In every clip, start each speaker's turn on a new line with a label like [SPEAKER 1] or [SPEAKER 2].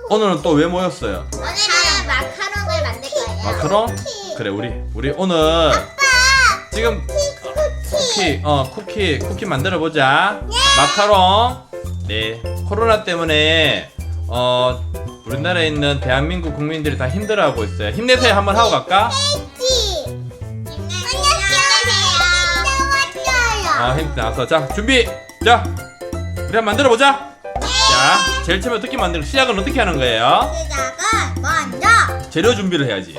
[SPEAKER 1] 오늘은 또 왜 모였어요?
[SPEAKER 2] 오늘은 마카롱을 만들 거예요.
[SPEAKER 1] 마카롱? 그래 우리 오늘 지금 쿠키 만들어 보자. 마카롱. 네. 코로나 때문에 우리나라에 있는 대한민국 국민들이 다 힘들어하고 있어요. 힘내세요. 한번 하고 갈까? 힘내서 자 준비. 자 우리 한번 만들어 보자. 자 제일 처음에 어떻게 만들고 시작은 어떻게 하는 거예요?
[SPEAKER 2] 시작은 먼저
[SPEAKER 1] 재료 준비를 해야지.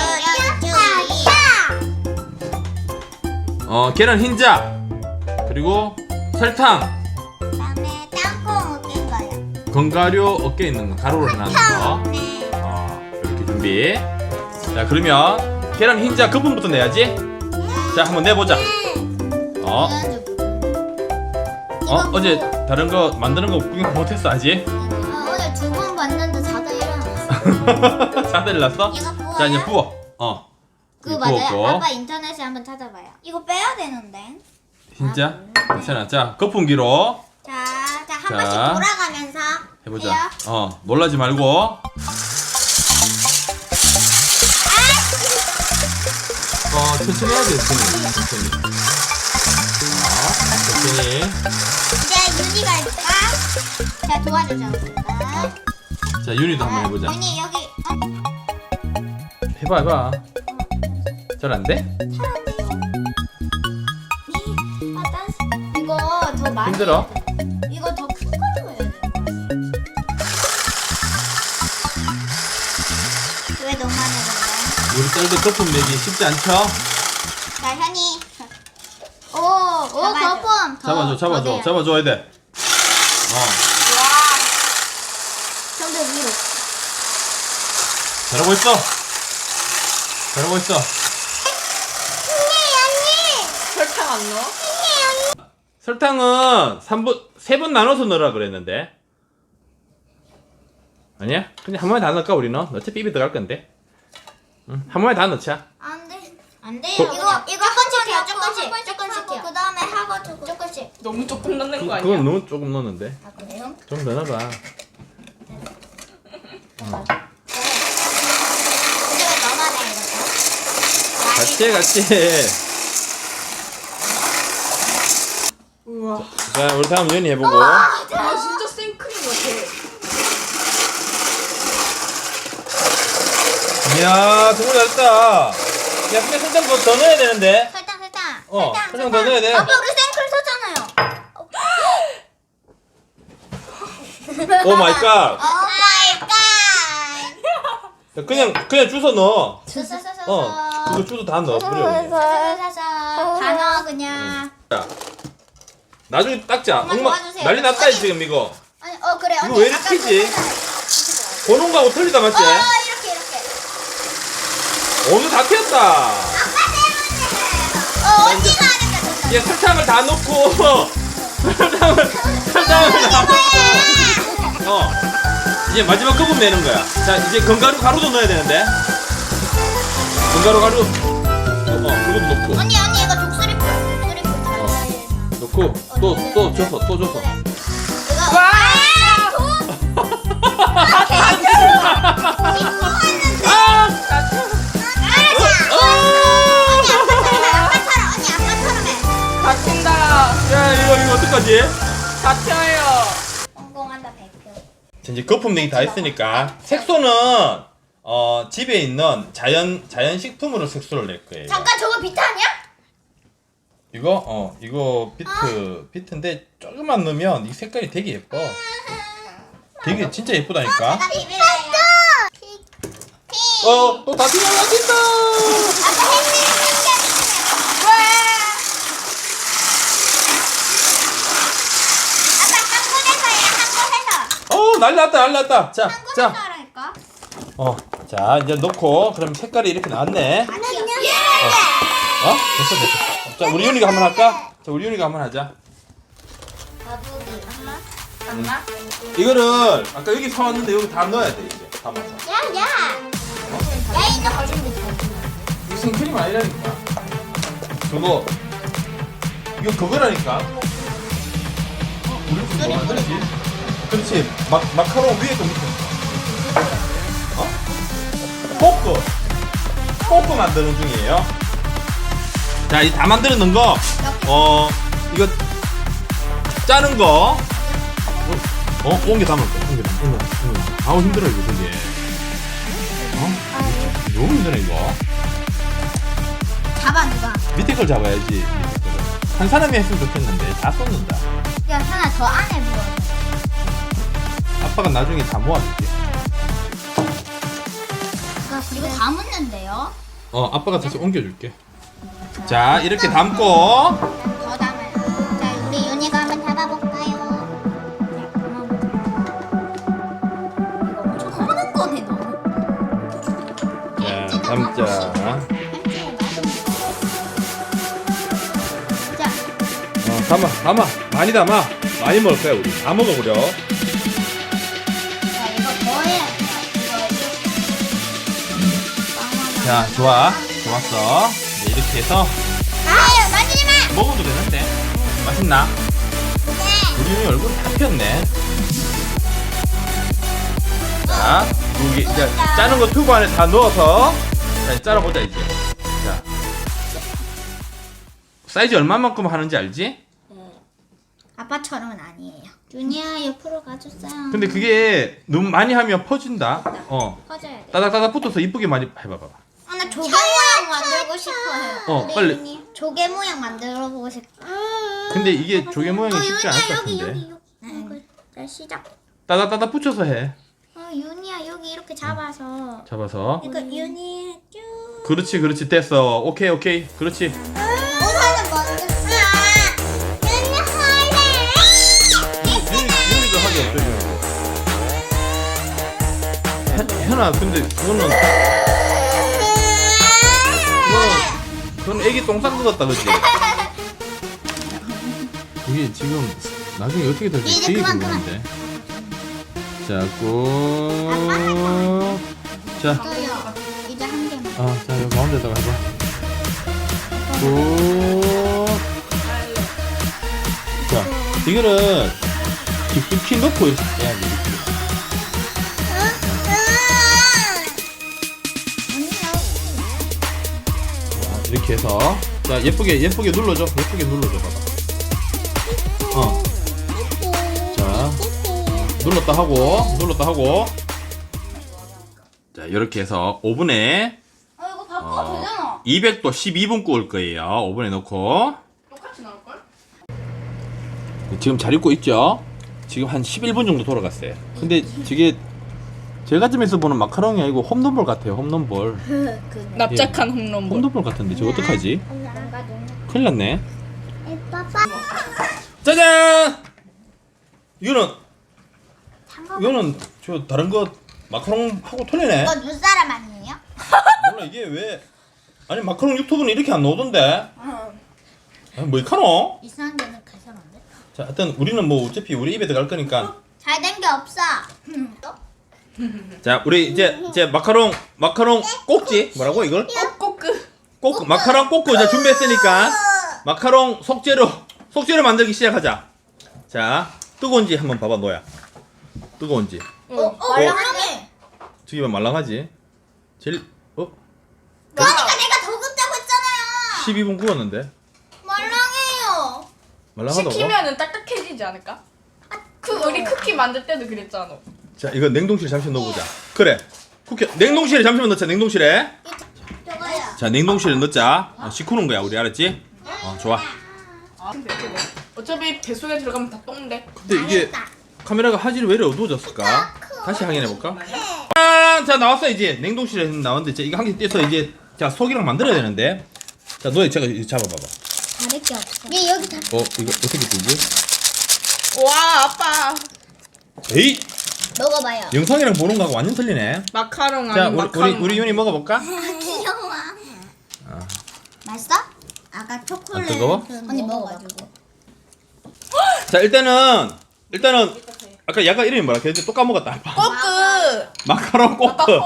[SPEAKER 1] 계란 흰자 그리고 설탕,
[SPEAKER 2] 그다음에 땅콩 낀 거요.
[SPEAKER 1] 견과류 어깨에 있는 거 가루로 해놨는 거. 이렇게 준비. 자 그러면 계란 흰자 그 부분부터 내야지. 자 한번 내보자. 어제 다른 거 만드는 거 구경 못했어 아직?
[SPEAKER 2] 오늘 두 번 봤는데 자다 일어났어.
[SPEAKER 1] 자다 일났어?
[SPEAKER 2] 이거 부어요?
[SPEAKER 1] 자 이제 부어.
[SPEAKER 2] 그거
[SPEAKER 1] 이거
[SPEAKER 2] 맞아요?
[SPEAKER 1] 부었고.
[SPEAKER 2] 아빠 인터넷에 한번 찾아봐요. 이거 빼야 되는데.
[SPEAKER 1] 흰자? 괜찮아. 자 거품기로
[SPEAKER 2] 자, 한
[SPEAKER 1] 자.
[SPEAKER 2] 번씩 돌아가면서
[SPEAKER 1] 해보자.
[SPEAKER 2] 해요.
[SPEAKER 1] 놀라지 말고. 천천히 해야 돼. 천천히. 천천히.
[SPEAKER 2] 이제 윤희가 해볼까? 제가 도와주셨습니다.
[SPEAKER 1] 자 윤희도 한번 해보자.
[SPEAKER 2] 윤희 여기
[SPEAKER 1] 해봐. 잘 안 돼?
[SPEAKER 2] 이거 더 많이
[SPEAKER 1] 힘들어?
[SPEAKER 2] 해야 돼. 이거 더 큰 걸로 해야 돼. 왜 너무 많이 했는데?
[SPEAKER 1] 우리 딸도 거품 내기 쉽지 않죠?
[SPEAKER 2] 자, 현이. 오, 거품.
[SPEAKER 1] 잡아줘야 돼.
[SPEAKER 2] 좀 더 위로.
[SPEAKER 1] 잘하고 있어.
[SPEAKER 3] 설탕 안 넣어?
[SPEAKER 1] 설탕은 3분 나눠서 넣으라 그랬는데. 아니야? 그냥 한 번에 다 넣을까 우리는? 어차피 입에 들어갈 건데. 한 번에 다 넣자.
[SPEAKER 2] 안 돼. 안 돼요.
[SPEAKER 1] 거-
[SPEAKER 2] 이거 조금씩 해요. 조금씩 해요. 그 다음에 하고 조금씩.
[SPEAKER 3] 너무 조금 넣는 거 아니야?
[SPEAKER 1] 그건 너무 조금 넣었는데.
[SPEAKER 2] 아, 그래요?
[SPEAKER 1] 좀 더 넣어봐.
[SPEAKER 2] 이제 너만 해, 이거.
[SPEAKER 1] 같이 해.
[SPEAKER 3] 우와.
[SPEAKER 1] 자 우리 다음 연이 해보고.
[SPEAKER 3] 아 진짜 생크림 같아.
[SPEAKER 1] 이야 정말 잘했다. 야 근데 설탕 더 넣어야 되는데.
[SPEAKER 2] 설탕.
[SPEAKER 1] 설탕 더 넣어야 돼.
[SPEAKER 2] 아빠 우리 생크림 썼잖아요.
[SPEAKER 1] 오 마이 갓.
[SPEAKER 2] 오 마이 갓.
[SPEAKER 1] 그냥 주워 넣어.
[SPEAKER 2] 서서서서.
[SPEAKER 1] 그거 주워 다 넣어. 그래.
[SPEAKER 2] 서서서서. 다 넣어 그냥.
[SPEAKER 1] 자, 나중에 닦자.
[SPEAKER 2] 엄마 도와주세요.
[SPEAKER 1] 난리 났다
[SPEAKER 2] 언니.
[SPEAKER 1] 지금 이거.
[SPEAKER 2] 아니, 그래.
[SPEAKER 1] 이거
[SPEAKER 2] 언니
[SPEAKER 1] 왜 이렇게
[SPEAKER 2] 아까
[SPEAKER 1] 튀지?
[SPEAKER 2] 그거잖아요.
[SPEAKER 1] 보는 거하고 틀리다 맞지?
[SPEAKER 2] 이렇게.
[SPEAKER 1] 오늘 다 튀었다.
[SPEAKER 2] 언니가 하니까 됐다.
[SPEAKER 1] 얘 설탕을 다 넣고 설탕을 다 넣고 이제 마지막 거품 내는 거야. 자 이제 견과류 가루도 넣어야 되는데. 견과류 가루 그것도 넣고
[SPEAKER 2] 언니 이거 독수리풀
[SPEAKER 1] 넣고 또 줘서
[SPEAKER 2] 이거
[SPEAKER 3] 와!
[SPEAKER 2] 아빠처럼 해.
[SPEAKER 3] 다친다.
[SPEAKER 1] 야 이거 어떡하지?
[SPEAKER 3] 다쳐요.
[SPEAKER 2] 성공한다 100표.
[SPEAKER 1] 자, 이제 거품 내기 다 했으니까 색소는 집에 있는 자연 식품으로 색소를 낼 거예요.
[SPEAKER 2] 잠깐 저거 비타니야?
[SPEAKER 1] 이거 비트인데 조금만 넣으면 이 색깔이 되게 예뻐. 되게 진짜 예쁘다니까.
[SPEAKER 2] 내가 비빌래요.
[SPEAKER 1] 또 다 튀어나왔다.
[SPEAKER 2] 아빠 햇님 아빠 한 곳에서 해요.
[SPEAKER 1] 난리 났다. 자,
[SPEAKER 2] 한 곳에서 하라니까.
[SPEAKER 1] 자 이제 넣고 그럼 색깔이 이렇게 나왔네. 됐어. 자 우리 윤이가 한번 할까? 자 우리 윤이가 한번 하자.
[SPEAKER 2] 거북이
[SPEAKER 3] 엄마?
[SPEAKER 1] 이거를 아까 여기 사왔는데 여기 다 넣어야 돼 이제 담아서.
[SPEAKER 2] 야야 이거 거짓말.
[SPEAKER 1] 이거 생크림 아니라니까. 이거 그거라니까. 우리 뭐 만들지? 그렇지. 마카롱 위에 또 밑에. 꼬꼬 만드는 중이에요. 자, 이 다 만들어 놓은 거, 이거 짜는 거, 옮겨 담을게. 옮겨 담. 아우 힘들어 이거 되게. 너무 힘드네 이거.
[SPEAKER 2] 잡아 누가.
[SPEAKER 1] 밑에 걸 잡아야지. 밑에 거를. 한 사람이 했으면 좋겠는데 다 쏟는다.
[SPEAKER 2] 야 하나 더 안에 물어.
[SPEAKER 1] 아빠가 나중에 다 모아줄게.
[SPEAKER 2] 이거 다 묻는데요?
[SPEAKER 1] 아빠가 다시 옮겨줄게. 자, 이렇게 담고.
[SPEAKER 2] 더 담아요. 자 우리 윤희가 한번 잡아볼까요? 이거 엄청 커는 거네 너무.
[SPEAKER 1] 자, 담자.
[SPEAKER 2] 자
[SPEAKER 1] 담아. 많이 담아. 많이 먹을 거야, 우리. 다 먹어보려.
[SPEAKER 2] 자, 이거 더 해야 돼요. 이거.
[SPEAKER 1] 자, 좋았어. 이제 이렇게 해서
[SPEAKER 2] 아유, 만지지 마!
[SPEAKER 1] 먹어도 되는데. 맛있나? 우리 윤이 얼굴 다 폈네. 자, 여기 이제 짜는 거 튜브 안에 다 넣어서 자, 짜러보자 이제. 자, 사이즈 얼마만큼 하는지 알지?
[SPEAKER 2] 아빠처럼은 아니에요. 윤희야, 옆으로 가줬어요.
[SPEAKER 1] 근데 그게 너무 많이 하면 퍼진다.
[SPEAKER 2] 퍼져야 돼.
[SPEAKER 1] 따닥따닥 붙어서 이쁘게 많이 해봐봐.
[SPEAKER 2] 나 조개 모양 만들고 싶어요. 우리
[SPEAKER 1] 빨리.
[SPEAKER 2] 윤희 조개 모양 만들어 보고 싶어.
[SPEAKER 1] 근데 이게 조개 모양이 쉽지 않을 것
[SPEAKER 2] 여기
[SPEAKER 1] 같은데.
[SPEAKER 2] 자, 시작.
[SPEAKER 1] 따닥따닥 붙여서 해.
[SPEAKER 2] 윤희야, 여기 이렇게 잡아서.
[SPEAKER 1] 잡아서.
[SPEAKER 2] 이거 윤희 쭉.
[SPEAKER 1] 그렇지 됐어. 오케이 그렇지.
[SPEAKER 2] 우선은 먼저. 윤희 할래.
[SPEAKER 1] 윤이도 하기 없죠. 현아 근데 그건 애기 똥 싼 것 같다 그치? 이게 지금 나중에 어떻게 될지
[SPEAKER 2] 이제
[SPEAKER 1] 되게
[SPEAKER 2] 그만.
[SPEAKER 1] 궁금한데. 자, 꾹. 자,
[SPEAKER 2] 또요. 이제 한 개만.
[SPEAKER 1] 자 여기 가운데다가 해봐. 꾹. 자, 이거는 깊숙이 넣고 이렇게 해야지. 이렇게 해서 자 예쁘게 눌러줘. 예쁘게 눌러줘 봐봐. 자 눌렀다 하고 자 이렇게 해서 오븐에
[SPEAKER 3] 이거 바꿔도 되잖아.
[SPEAKER 1] 200도 12분 구울 거예요. 오븐에 넣고
[SPEAKER 3] 똑같이 나올걸?
[SPEAKER 1] 지금 잘 익고 있죠? 지금 한 11분 정도 돌아갔어요. 근데 저게 제가 집에서 보는 마카롱이 아니고 홈런볼 같아요. 홈런볼.
[SPEAKER 3] 납작한 홈런볼.
[SPEAKER 1] 홈런볼 같은데 저거 어떡하지? 큰일 났네.
[SPEAKER 2] 빠빠.
[SPEAKER 1] 짜잔! 이거는 저 다른 거 마카롱하고 틀리네.
[SPEAKER 2] 이거 눈사람 아니에요?
[SPEAKER 1] 몰라 이게 왜 아니 마카롱 유튜브는 이렇게 안 나오던데. 뭐 이카노?
[SPEAKER 2] 이상한 데는 가서는데.
[SPEAKER 1] 자, 하여튼 우리는 뭐 어차피 우리 입에 들어갈 거니까.
[SPEAKER 2] 잘 된 게 없어.
[SPEAKER 1] 자, 우리 이제 마카롱 꼭지 뭐라고 이걸? 꼭 마카롱 꼭고 이제 준비했으니까 마카롱 속재료 만들기 시작하자. 자, 뜨거운지 한번 봐봐 너야. 뜨거운지.
[SPEAKER 2] 말랑하네.
[SPEAKER 1] 저기 봐 말랑하지. 제일
[SPEAKER 2] 그러니까 내가 더 굽자고 했잖아요.
[SPEAKER 1] 12분 구웠는데
[SPEAKER 2] 말랑해요.
[SPEAKER 1] 말랑하다고?
[SPEAKER 3] 식히면은 딱딱해지지 않을까? 우리 쿠키 만들 때도 그랬잖아.
[SPEAKER 1] 자, 이거 냉동실에 잠시 넣어보자. 그래. 냉동실에 잠시만 넣자. 냉동실에.
[SPEAKER 2] 저거요.
[SPEAKER 1] 자, 냉동실에 넣자. 식후는 거야 우리 알았지? 좋아.
[SPEAKER 3] 근데 어차피 뱃속에 들어가면 다 똥데.
[SPEAKER 1] 근데 이게 카메라가 화질이 왜 이렇게 어두워졌을까? 다시 확인해볼까? 짠! 자, 나왔어 이제. 냉동실에 나왔는데 이제 이거 한 개 떼서 이제 자 속이랑 만들어야 되는데. 자, 너희 제가 이거 잡아봐봐.
[SPEAKER 2] 다를 게 없어. 얘 여기 다.
[SPEAKER 1] 이거 어떻게 뜨지?
[SPEAKER 3] 와 아빠.
[SPEAKER 1] 에이!
[SPEAKER 2] 먹어봐요.
[SPEAKER 1] 영상이랑 보는 거하고 완전 틀리네.
[SPEAKER 3] 마카롱
[SPEAKER 1] 자,
[SPEAKER 3] 아니 마카롱.
[SPEAKER 1] 우리 윤이 먹어볼까?
[SPEAKER 2] 귀여워. 맛있어? 아까 초콜릿.
[SPEAKER 1] 안 뜨거워?
[SPEAKER 2] 언니 먹어가지고.
[SPEAKER 1] 자, 일단은 아까 약간 이름이 뭐라 그랬지? 또 까먹었다.
[SPEAKER 3] 꼬끄.
[SPEAKER 1] 마카롱 꼬끄.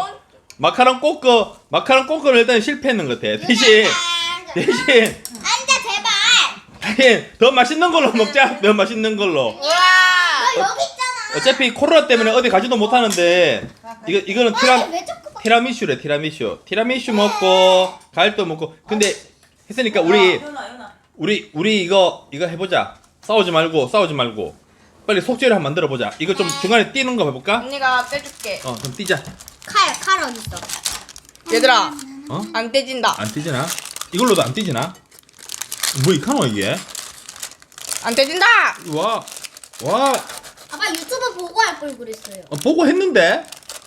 [SPEAKER 1] 마카롱 꼬끄를 일단 실패했는 것 같아. 대신
[SPEAKER 2] 앉아 제발.
[SPEAKER 1] 더 맛있는 걸로 먹자. 더 맛있는 걸로.
[SPEAKER 3] 와.
[SPEAKER 2] 너 여기 있잖아.
[SPEAKER 1] 어차피 코로나 때문에 어디 가지도 못하는데 이거는
[SPEAKER 2] 아니 왜 자꾸 막
[SPEAKER 1] 티라미슈래 티라미슈 먹고 과일도 먹고. 근데 했으니까 우리 이거 해보자. 싸우지 말고 빨리 속죄를 한번 만들어 보자. 이거 좀 중간에 뛰는 거 해볼까?
[SPEAKER 3] 언니가 떼줄게.
[SPEAKER 1] 좀 뛰자.
[SPEAKER 2] 칼 어디 있어?
[SPEAKER 3] 얘들아,
[SPEAKER 1] 어?
[SPEAKER 3] 안 떼진다.
[SPEAKER 1] 안 뛰지나? 이걸로도 안 뛰지나? 뭐 이카노 이게?
[SPEAKER 3] 안 떼진다.
[SPEAKER 1] 와
[SPEAKER 2] 아빠 유튜브 보고 할 걸 그랬어요.
[SPEAKER 1] 보고 했는데?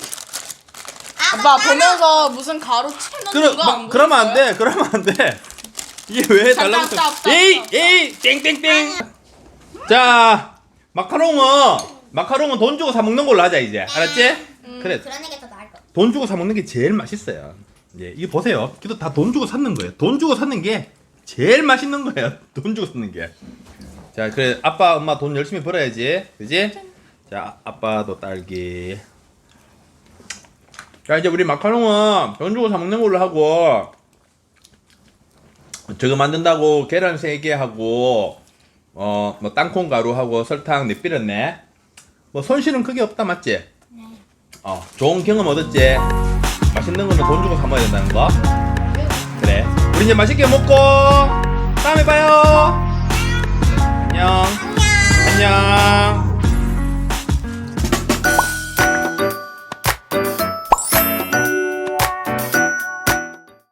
[SPEAKER 3] 아빠 보면서 무슨 가로 채는 거 안 보였어요?
[SPEAKER 1] 그러면 안 돼. 이게 왜 달라붙어?
[SPEAKER 3] 스탑.
[SPEAKER 1] 에이 땡땡땡. 자 마카롱은 돈 주고 사 먹는 걸로 하자 이제. 알았지? 그래.
[SPEAKER 2] 그러는 게 더 나을 것.
[SPEAKER 1] 돈 주고 사 먹는 게 제일 맛있어요. 예, 이거 보세요. 이거 다 돈 주고 샀는 거예요. 돈 주고 샀는 게 제일 맛있는 거예요. 돈 주고 샀는 게. 자, 그래 아빠, 엄마 돈 열심히 벌어야지, 그지? 자, 아빠도 딸기. 자, 이제 우리 마카롱은 돈 주고 사 먹는 걸로 하고, 저거 만든다고 계란 3개 하고, 뭐 땅콩 가루하고 설탕 내삐렸네. 뭐 손실은 크게 없다, 맞지?
[SPEAKER 2] 네.
[SPEAKER 1] 좋은 경험 얻었지. 맛있는 거는 돈 주고 사 먹어야 된다는 거. 그래. 우리 이제 맛있게 먹고 다음에 봐요. 안녕. 안녕.